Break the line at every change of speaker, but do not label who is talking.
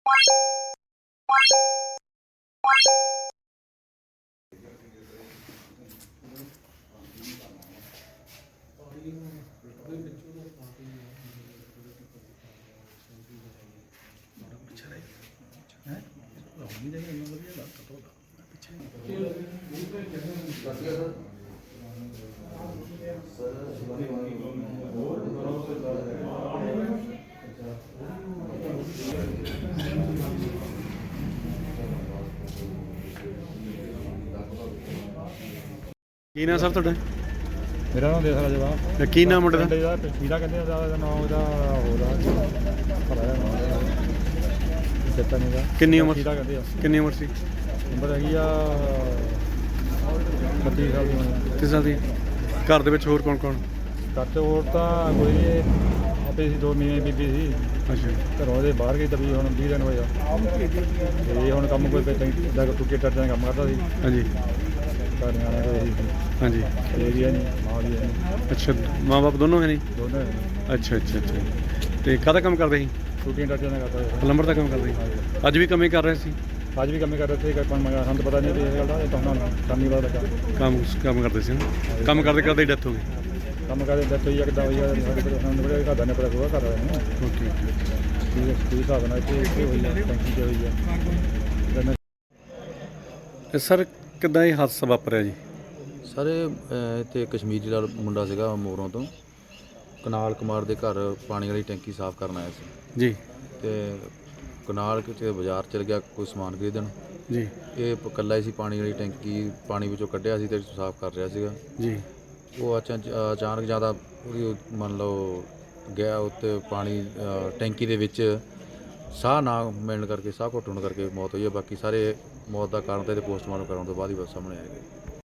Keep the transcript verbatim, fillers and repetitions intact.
ਕੀ ਨਾਮ ਸਰ ਤੁਹਾਡਾ?
ਮੇਰਾ ਨਾਮ ਦੇਖ ਜਵਾਬ
ਕੀ ਨਾਮ ਮੁੰਡੇ ਦਾ?
ਪੀੜਾ ਕਹਿੰਦੇ ਉਹਦਾ ਨਾਮ ਉਹਦਾ ਹੋਦਾ ਚੇਤਾ ਨਹੀਂ ਗਾ।
ਕਿੰਨੀ ਉਮਰ
ਪੀੜਾ ਕਹਿੰਦੇ ਆ।
ਕਿੰਨੀ ਉਮਰ ਸੀ?
ਉਮਰ ਹੈਗੀ ਆ ਪੱਚੀ ਸਾਲ ਦੀ ਹੋਣੀ।
ਪੱਚੀ ਸਾਲ ਦੀ। ਘਰ ਦੇ ਵਿੱਚ ਹੋਰ ਕੌਣ ਕੌਣ?
ਘਰ 'ਚ ਹੋਰ ਤਾਂ ਕੋਈ ਨਹੀਂ, ਆਪੇ ਸੀ, ਦੋ ਮੀਆਂ ਬੀਬੀ ਸੀ।
ਅੱਛਾ।
ਘਰੋਂ ਦੇ ਬਾਹਰ ਗਈ ਤभी ਹੁਣ ਵੀਹ ਦਿਨ ਹੋਏ ਆ ਤੇ ਹੁਣ ਕੰਮ ਕੋਈ ਦਾ ਟੁੱਕੇ ਟੱਟਾਂ ਕੰਮ ਕਰਦਾ ਸੀ।
ਹਾਂਜੀ।
ਘਰ ਨਿਆਣੇ ਕੋਈ ਸੀ।
ਹਾਂਜੀ।
ਇਹ ਵੀ ਹੈ ਨਹੀਂ, ਮਾਂ ਵੀ ਹੈ ਨਹੀਂ।
ਅੱਛਾ, ਮਾਂ ਬਾਪ ਦੋਨੋਂ ਹੈ ਨਹੀਂ?
ਦੋਨੇ
ਅੱਛਾ ਅੱਛਾ ਅੱਛਾ। ਤੇ ਕਾਹਦਾ ਕੰਮ ਕਰਦੇ ਸੀ?
ਟੁੱਟੀਆਂ ਟੱਟਾਂ ਦਾ ਕਰਦਾ ਸੀ।
ਪਲੰਬਰ ਦਾ ਕੰਮ ਕਰਦੇ ਸੀ? ਅੱਜ ਵੀ ਕੰਮ ਹੀ ਕਰ ਰਹੇ ਸੀ?
ਅੱਜ ਵੀ ਕੰਮ ਹੀ ਕਰ ਰਹੇ ਸੀ। ਆਪਾਂ ਮੰਗਾ ਸਾਨੂੰ ਤਾਂ ਪਤਾ ਨਹੀਂ ਇਸ ਗੱਲ ਦਾ, ਇਹ ਤਾਂ ਹੁਣ ਕੰਮ ਹੀ ਪਤਾ ਲੱਗਾ। ਕੰਮ
ਕੰਮ ਕਰਦੇ ਸੀ ਨਾ? ਕੰਮ ਕਰਦੇ ਕਰਦੇ ਡੈਥ ਹੋ ਗਈ?
ਕੰਮ ਕਰਦੇ ਡੈਥ ਹੋਈ ਆ, ਕਿੱਦਾਂ ਹੋਈ ਆ ਸਾਡੇ ਕੋਲ ਸਾਨੂੰ ਬੜੇ ਘਰ ਦਾ ਨਹੀਂ ਪਤਾ ਹੋਊਗਾ। ਘਰ ਵਾਲੇ ਨੂੰ
ਓਕੇ ਓਕੇ।
ਕੀ ਹਿਸਾਬ ਨਾਲ ਇੱਥੇ ਇੱਥੇ ਹੋਈ ਆ, ਟੈਂਕੀ 'ਤੇ ਹੋਈ ਆ।
ਤੇ ਸਰ ਕਿੱਦਾਂ ਇਹ ਹਾਦਸਾ ਵਾਪਰਿਆ ਜੀ?
ਸਰ ਇੱਥੇ ਕਸ਼ਮੀਰੀ ਦਾ ਮੁੰਡਾ ਸੀਗਾ ਮੋਰੋਂ ਤੋਂ, ਕਨਾਲ ਕੁਮਾਰ ਦੇ ਘਰ ਪਾਣੀ ਵਾਲੀ ਟੈਂਕੀ ਸਾਫ਼ ਕਰਨ ਆਇਆ ਸੀ
ਜੀ।
ਤੇ ਕਨਾਲ ਕਿਤੇ ਬਾਜ਼ਾਰ ਚਲ ਗਿਆ ਕੋਈ ਸਮਾਨ ਖਰੀਦਣ
ਜੀ।
ਇਹ ਇਕੱਲਾ ਹੀ ਸੀ, ਪਾਣੀ ਵਾਲੀ ਟੈਂਕੀ ਪਾਣੀ ਵਿੱਚੋਂ ਕੱਢਿਆ ਸੀ ਤੇ ਸਾਫ਼ ਕਰ ਰਿਹਾ ਸੀਗਾ
ਜੀ।
ਉਹ ਅਚਾ ਅਚਾਨਕ ਜ਼ਿਆਦਾ ਉਹਦੀ ਮੰਨ ਲਓ ਗਿਆ ਉੱਤੇ ਪਾਣੀ ਟੈਂਕੀ ਦੇ ਵਿੱਚ ਸਾਹ ਨਾ ਮਿਲਣ ਕਰਕੇ, ਸਾਹ ਘੁੱਟਣ ਕਰਕੇ ਮੌਤ ਹੋਈ ਹੈ। ਬਾਕੀ ਸਾਰੇ ਮੌਤ ਦਾ ਕਾਰਨ ਤਾਂ ਇਹਦੇ ਪੋਸਟਮਾਰਟਮ ਕਰਾਉਣ ਤੋਂ ਬਾਅਦ ਹੀ ਬਸ ਸਾਹਮਣੇ ਆਏਗਾ।